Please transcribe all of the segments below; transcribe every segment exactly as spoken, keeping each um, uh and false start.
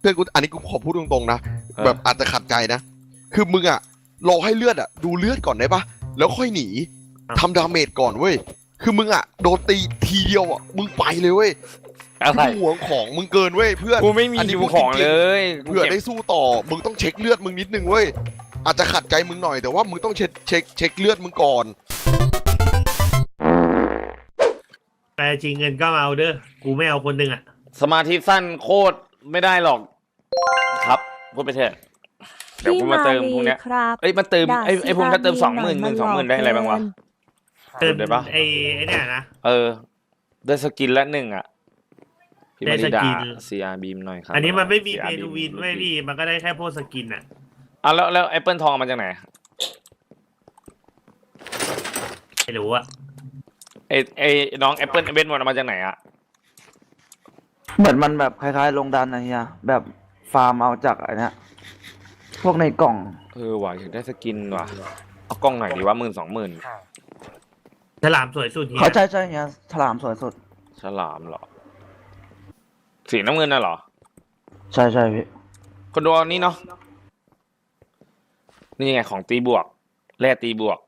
พื่อนกูอันนี้กูขอพูดตรงๆนะแบบอาจจะขัดใจนะคือมึงอะรอให้เลือดอะดูเลือดก่อนได้ปะแล้วค่อยหนีทำดาเมจก่อนเว้ยคือมึงอะโดนตีทีเดียวอะมึงไปเลยเว้ยอะไรห่วงของมึงเกินเว้ยเพื่อนกูไม่มีดูของเลยเผื่อได้สู้ต่อมึงต้องเช็คเลือดมึงนิดนึงเว้ยอาจจะขัดใจมึงหน่อยแต่ว่ามึงต้องเช็คเช็คเช็คเลือดมึงก่อนแต่จริงเงินก็มาเอาเด้อกูไม่เอาคนหนึ่งอะสมาธิสั้นโคตรไม่ได้หรอกครับพูดไปเถอะเดี๋ยวกูมาเติมพวกเนี้ยเอ้ยมาเติมไอ้ไอ้พวกถ้าเติมสองหมื่นหมื่นสองหมื่นได้อะไรบ้างวะเติมได้ปะไอ้ไอ้เนี่ยนะเออได้สกินละหนึ่งอ่ะพี่มาริดาซีอาร์บีมหน่อยครับอันนี้มันไม่มีเพนูวินไม่พี่มันก็ได้แค่พวกสกินอ่ะอ่ะแล้วแล้วแอปเปิลทองมาจากไหนไม่รู้อะไอ้ไอ้น้องแอปเปิลเบนมันมาจากไหนอ่ะเหมือนมันแบบคล้ายๆลงดันอะไรเงี้ยแบบฟาร์มเอาจากอะไรเนี้ยพวกในกล่องเออว่ะอยากได้สกินว่ะเอากล้องหน่อยดีว่าหมื่นสองหมื่นฉลามสวยสุดเฮียเขาใช่ใช่เงี้ยฉลามสวยสุดฉลามเหรอสีน้ำเงินน่ะเหรอใช่ใช่พี่คนดูนี่เนาะนี่ไงของตีบวกแร่ตีบวก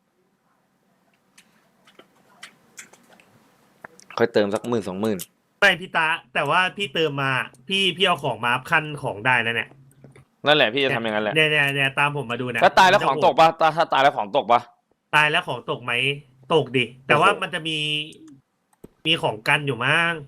ค่อยเติมสักหมื่นสองหมื่นไม่พี่ตาแต่ว่าพี่เติมมาพี่พี่เอาของมาขั้นของได้แล้วเนี่ยนั่นแหละพี่จะทำอย่างนั้นแหละเนี่ยเนี่ยเนี่ยตามผมมาดูเนี่ยถ้าตายแล้วของตกปะถ้าตายแล้วของตกปะตายแล้วของตกไหมตกดิแต่ว่ามันจะมีมีของกันอยู่มั้ง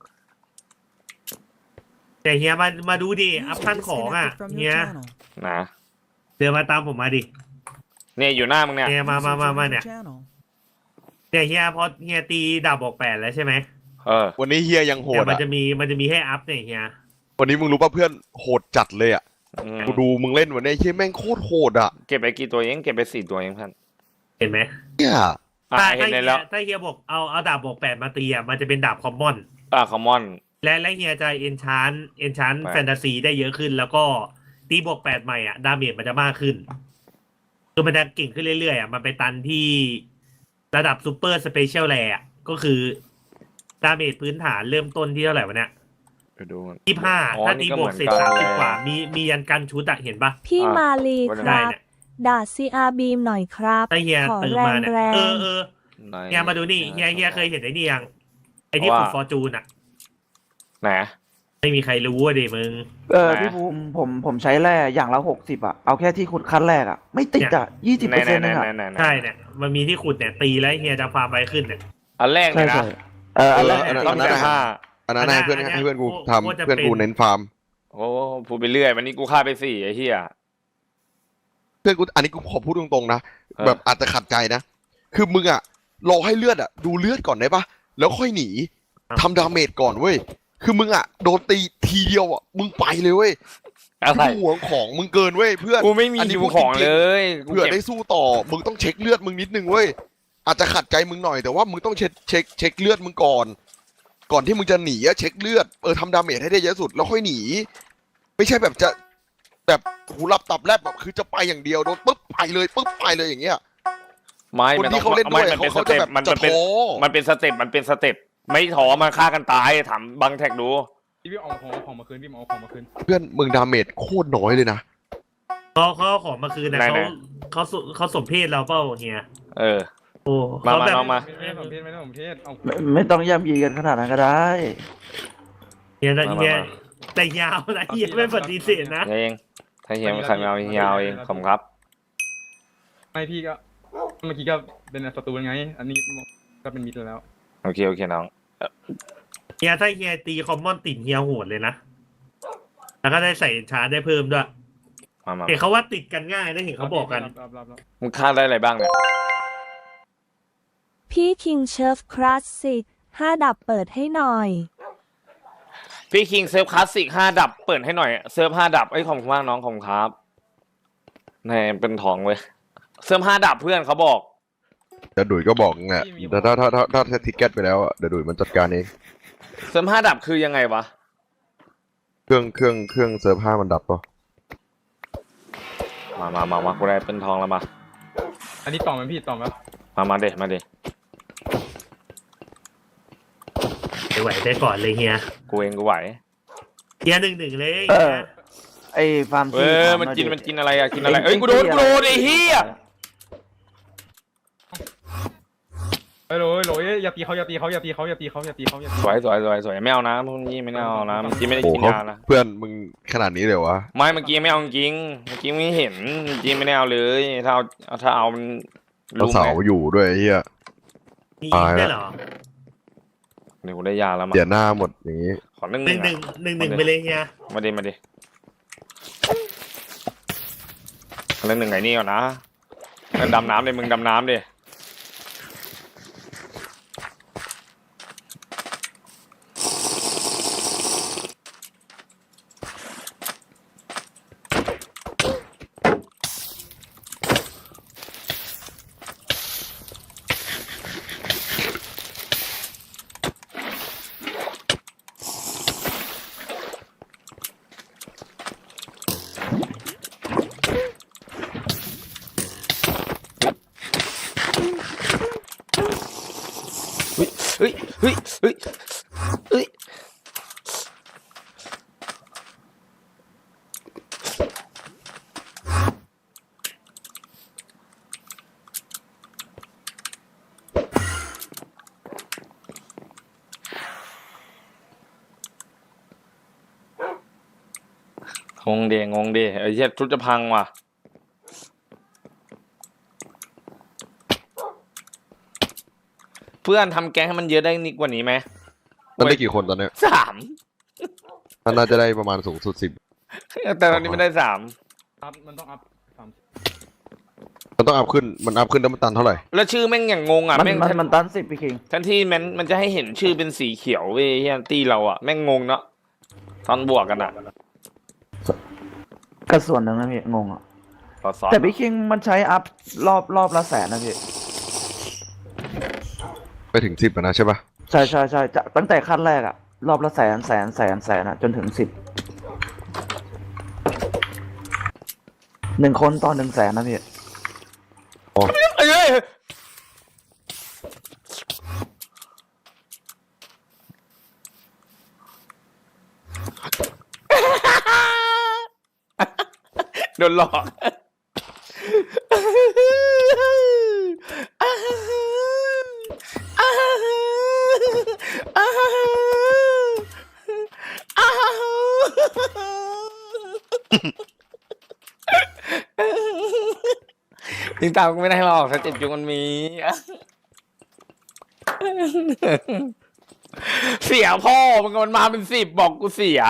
แต่เฮียมามาดูดิอัพขั้นของอ่ะเฮียนะเดินมาตามผมมาดิเนี่ยอยู่หน้ามึงเนี่ยเฮียมามามามาเนี่ยเนี่ยเฮียพอเฮียตีดาบบอกแปดแล้วใช่ไหมเออวันนี้เฮียยังโหดอ่ะมันจะมีมันจะมีให้อัพเนี่ยเฮียวันนี้มึงรู้ป่ะเพื่อนโหดจัดเลยอ่ะกูดูมึงเล่นวันนี้เฮียแม่งโคตรโหดอ่ะเก็บไปกี่ตัวเองเก็บไปสี่ตัวเองท่านเห็นไหมเนี่ยถ้าถ้าเฮียถ้าเฮียบอกเอาเอาดาบบอกแปดมาตีอ่ะมันจะเป็นดาบคอมมอนอ่าคอมมอนและและเฮียจะเอนชานเอนชานแฟนตาซีได้เยอะขึ้นแล้วก็ตีบวกแปดใหม่อ่ะดาเมจมันจะมากขึ้นคือมันจะเก่งขึ้นเรื่อยๆอ่ะมันไปตันที่ระดับซูเปอร์สเปเชียลแลอ่ะก็คือดาเมจพื้นฐานเริ่มต้นที่เท่าไหร่วะเนี่ยยี่สิบห้าถ้าตีบวกเสร็จสามสิบกว่ามีมียันกันชุดอะเห็นปะพี่มาลีครับด่าซีอาร์บีมหน่อยครับถ้าเฮียตื่นมาเนี่ยเออเออเฮียมาดูนี่เฮียเฮียเคยเห็นไอ้นี่ยังไอ้ที่ขุดฟอร์จูนอะไหนไม่มีใครรู้ว่าดิมึงเออพี่ภูมิผมผมใช้แร่อย่างละหกสิบอะเอาแค่ที่ขุดขั้นแรกอะไม่ติดอะยี่สิบเปอร์เซ็นต์เนี่ยใช่เนี่ยมันมีที่ขุดเนี่ยตีแล้วเฮียจะฟาร์มไปขึ้นเนี่ยอันแรกเลยนะเอออันแรกต้องได้ห้าอันนั้นให้เพื่อนให้เพื่อนกูทำเพื่อนกูเน้นฟาร์มโอ้พูดไปเรื่อยวันนี้กูฆ่าไปสี่ไอ้เหี้ยเพื่อนกูอันนี้กูขอพูดตรงๆนะแบบอาจจะขัดใจนะคือมึงอะรอให้เลือดอะดูเลือดก่อนได้ปะแล้วค่อยหนีทำดาเมจก่อนเว้ยคือมึงอะโดนตีทีเดียวอะมึงไปเลยเว้ยห่วงของมึงเกินเว้ยเพื่อนกูไม่มีดูของเลยเผื่อได้สู้ต่อมึงต้องเช็คเลือดมึงนิดนึงเว้ยอาจจะขัดใจมึงหน่อยแต่ว่ามึงต้องเช็คเช็คเช็คเลือดมึงก่อนก่อนที่มึงจะหนีอะเช็คเลือดเออทำดาเมจให้ได้เยอะสุดแล้วค่อยหนีไม่ใช่แบบจะแบบหูรับตับแลบแบบคือจะไปอย่างเดียวโดนปุ๊บไปเลยปุ๊บไปเลยอย่างเงี้ยไม่คนที่เขาเล่นด้วยเขาจะแบบจะท้อมันเป็นสเต็ปมันเป็นสเต็ปไม่ท้อมาฆ่ากันตายถามบังแท็กดูพี่เอาของของมาคืนพี่เอาของมาคืนเพื่อนมึงดาเมจโคตรน้อยเลยนะเขาเขาของมาคืนนะเขาเขาเขาสมเพศเราเปล่าเฮียเออโอ้มามามาไม่สมเพศไม่สมเพศเอาไม่ต้องย่ำยีกันขนาดนั้นก็ได้เฮียเฮียแต่ยาวนะเฮียไม่ปฏิเสธนะเองถ้าเฮียไม่ใครไม่เอายาวเองผมครับไม่พี่ก็เมื่อกี้ก็เป็นศัตรูไงอันนี้ก็เป็นมิตรแล้วโอเคโอเคน้องเฮียถ้าเฮียตีคอมมอนติดเฮียโหดเลยนะแล้วก็ได้ใส่ชาร์จได้เพิ่มด้วยเห็นเขาว่าติดกันง่ายได้เห็นเขาบอกกันมึงฆ่าได้อะไรบ้างเนี่ยพี่คิงเชฟคลาสสิกห้าดับเปิดให้หน่อยพี่คิงเซิร์ฟคลาสสิกห้าดับเปิดให้หน่อยเซิร์ฟห้าดับไอ้ของคุณมากน้องของครับนี่เป็นทองเว้ยเซิร์ฟห้าดับเพื่อนเขาบอกเดี๋ยวดุยก็บอกไงแต่ถ้าถ้าถ้าถ้าถ้าทิกเก็ตไปแล้วเดี๋ยวดุยมันจัดการเองเซิร์ฟห้าดับคือยังไงวะเครื่องเครื่องเครื่องเซิร์ฟห้ามันดับปะมามามามากูได้เป็นทองแล้วมาอันนี้ต่อมันพี่ต่อมามามาเด็มาเด็ไหวได้ก่อนเลยเฮียกูเองกูไหวเกียร์หนึ่งหนึ่งเลยเออ ไอ้ฟาร์มเอที่อถามันหอยกินดิมันกินอะไรอะกินอะไรเงเอ้ยกูโดนงกูโดนไอ้เหี้ยเฮ้ยโหลยโหลยอย่าตีเขาอย่าตีเขาอย่าตีเขาอย่าตีเขาอย่าตีเขาอย่าตีสวยสวยสวยสวยไม่เอานะพวกนี้ไม่เอานะเมื่อกี้ไม่ได้โอ้กินเขายานะเพื่อนมึงขนาดนี้เลยวะไม่เมื่อกี้ไม่เอาจริงเมื่อกี้ไม่เห็นเมื่อกี้ไม่ได้เอาเลยถ้าเอาถ้าเอามันเราลุงเสาไงอยู่ด้วยไอ้เฮียมีตายแล้วได้เหรอเดี๋ยวกูได้ยาแล้วมาเสียหน้าหมดอย่างนี้ขอหนึ่งหหนึ่นึ่งงหนึ่งอะหนึ่งหนึ่งไปเลยเฮียมาดิมาดิเรื่องหนึ่งไงนี่ก่อนนะงั้นดำน้ำเลยมึงดำน้ำดิเฮ้ยเฮ้ยเฮ้ยเฮ้ยงงเดงงเดไอ้เหี้ยชุดจะพังว่ะเพื่อนทำแก๊งให้มันเยอะได้นิดกว่านี้ไหมมันได้กี่คนตอนเนี้ยสามมันน่าจะได้ประมาณสูงสุดสิบแต่ตอนนี้ไม่ได้สามอัพมันต้องอัพสามมันต้องอัพขึ้นมันอัพขึ้นแล้วมันตันเท่าไหร่แล้วชื่อแม่งอย่างงงอ่ะมันแม่งมันมันตันสิบพี่คิงทันที่มันมันจะให้เห็นชื่อเป็นสีเขียวเว้ยเฮียตีเราอ่ะแม่งงงเนาะตอนบวกกันอ่ะก็ส่วนหนึ่งนะพี่งงอ่ะต่อซอสแต่พี่คิงมันใช้อัพรอบรอบละแสนนะพี่ไปถึงสิบนะใช่ปะใช่ใช่ใช่จะตั้งแต่ขั้นแรกอะรอบละแสนแสนแสนแสนอะจนถึงสิบหนึ่งคนต่อหนึ่งแสนนะพี่เอ้ยโดนหลอกจริงตามกูไม่ได้หรอกสเต็ปจุงมันมี เสียพ่อมึงมันมาเป็นสิบบอกกูเสีย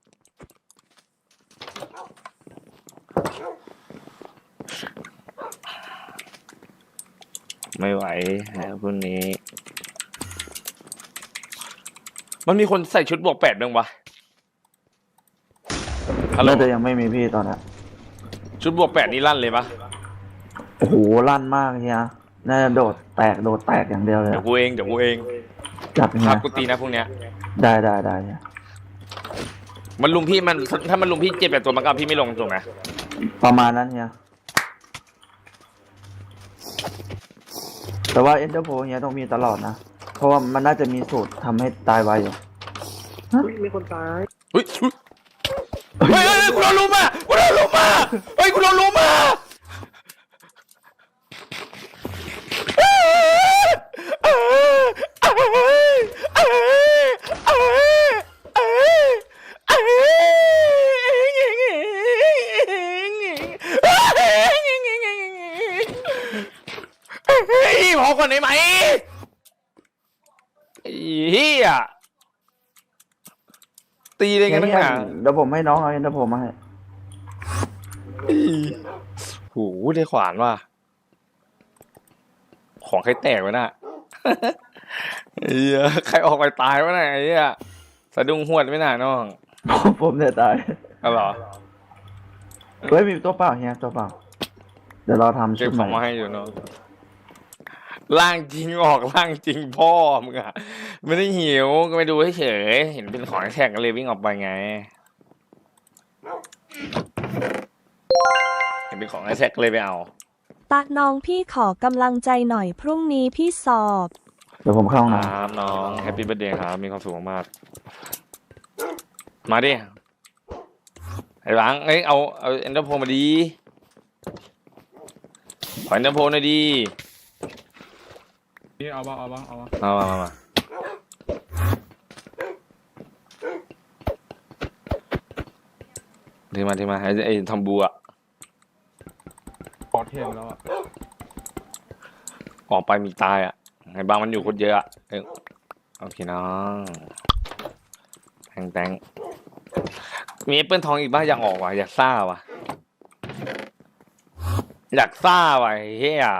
ไม่ไหวฮะพวกนี้ มันมีคนใส่ชุดบวกแปดบ้างวะฮัลโหลน่าจะยังไม่มีพี่ตอนนี้ชุดบวกแปดนี่ลั่นเลยปะโอ้โหลั่นมากเฮียน่าจะโดดแตกโดดแตกอย่างเดียวเลยเดี๋ยวกูเองเดี๋ยวกูเองจับเฮีพาย กูตีนะพวกเนี้ยได้ได้ได้เฮียมันลุมพี่มันถ้ามันลุมพี่เจ็บแบบตัวมันก็เอาพี่ไม่ลงถูกไหมประมาณนั้นเฮียแต่ว่าเอ็นเตอร์โพเฮียต้องมีตลอดนะ เพราะว่ามันน่าจะมีสูตรทำให้ตายไวอยู่เฮ้ยเฮ้ยเฮ้ยเฮ้ยกูโดนลุมอ่ะกูโดนลุมอ่ะเฮ้ยกูโดนลุมอ่ะพอก่อนได้ไหมไอ้เหี้ยตีได้ไงตั้งนานเดี๋ยวผมให้น้องเอาเอ็นเตอร์โพมาให้โหได้ขวานว่ะของใครแตกวะน่ะไอ้เหี้ยใครออกไปตายวะน่ะไอ้เหี้ยสะดุ้งหวดไม่น่าน้องผมผมเนี่ยตายเอาเหรอเฮ้ยมีตัวเปล่าเฮียตัวเปล่าเดี๋ยวเราทำเก็ชุบดขใหอม่งมาให้อยู่เนาะร่างจริงออกร่างจริงพ่อมึงอะไม่ได้หิวก็ไปดูเฉยๆเห็นเป็นของแท็กก็เลยวิ่งออกไปไงเห็นเป็นของแท็กเลยไปเอาตาน้องพี่ขอกำลังใจหน่อยพรุ่งนี้พี่สอบเดี๋ยวผมเข้าห้องคน้รับน้องแฮปปี้เบิร์ดเดย์ครับมีความสุขมากๆมาดิไอ้บังเอ้ยเอาเอาเอ็นเตอร์โพมาดีขอเอ็นเตอร์โพหน่อยดีพี่เอาบ้าเอาบ้าเอาบ้ามามามามาทีมาทีมาไอ้ไอ้ทอมบูอะปอดเทมแล้วอ่ะออกไปมีตายอะไอ้บางมันอยู่คนเยอะอะเอ้ยโอเคน้องแตงแตงมีแอปเปิลทองอีกบ้างอยากออกว่ะอยากซ่าว่ะอยากซ่าว่ะไอ้เฮีย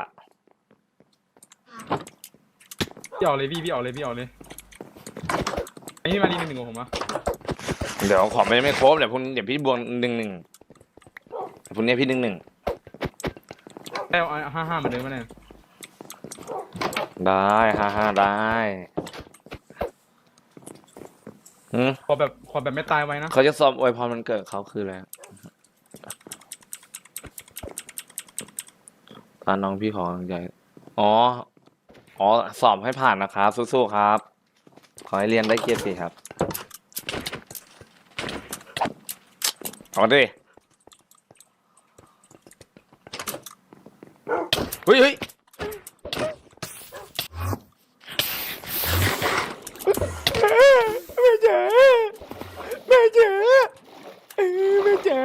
พี่เอาเลยพี่พี่เอาเลยพี่เอาเลยไอ้นี่มาดีหนึ่งหนึ่งของผมอ่ะเดี๋ยวขอไม่ไม่ครบเดี๋ยวพรุ่งนี้เดี๋ยวพี่บวกหนึ่งหนึ่งเดี๋ยวพรุ่งนี้พี่หนึ่งหนึ่งได้เอาห้าห้าเหมือนเดิมมาเนี่ยได้ฮ่าฮ่าได้อืมขอแบบขอแบบไม่ตายไว้นะเขาจะสอบอวยพรมันเกิดเขาคืออะไรตาน้องพี่ขอกำลังใจอ๋ออ๋อสอบให้ผ่านนะครับสู้ๆครับ ขอให้เรียนได้เกียรติครับเอาดิเฮ้ยเฮ้ยแม่จ๋าแม่จ๋าแม่จ๋า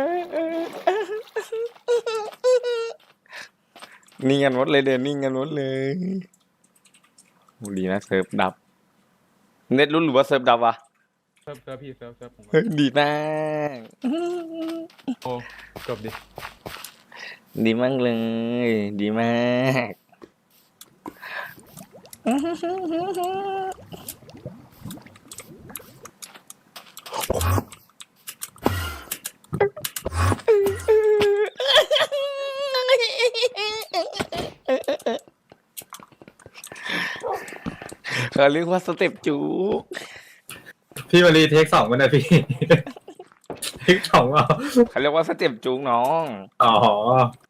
นิ่งกันหมดเลยเดี๋ยวนิ่งกันหมดเลยโหดีนะเซิร์ฟดับเน็ตรุ่นหรือว่าเซิร์ฟดับวะเซิร์ฟเซิร์ฟพี่เซิร์ฟเซิร์ฟผมเฮ้ยดีมากโอ้จบดิดีมากเลย ดีมากเขาเรียกว่าสเต็ปจูกพี่มารีเทคสองมันนะพี่ เทคสองเอาเขาเรียกว่าสเต็ปจูกน้องอ๋อ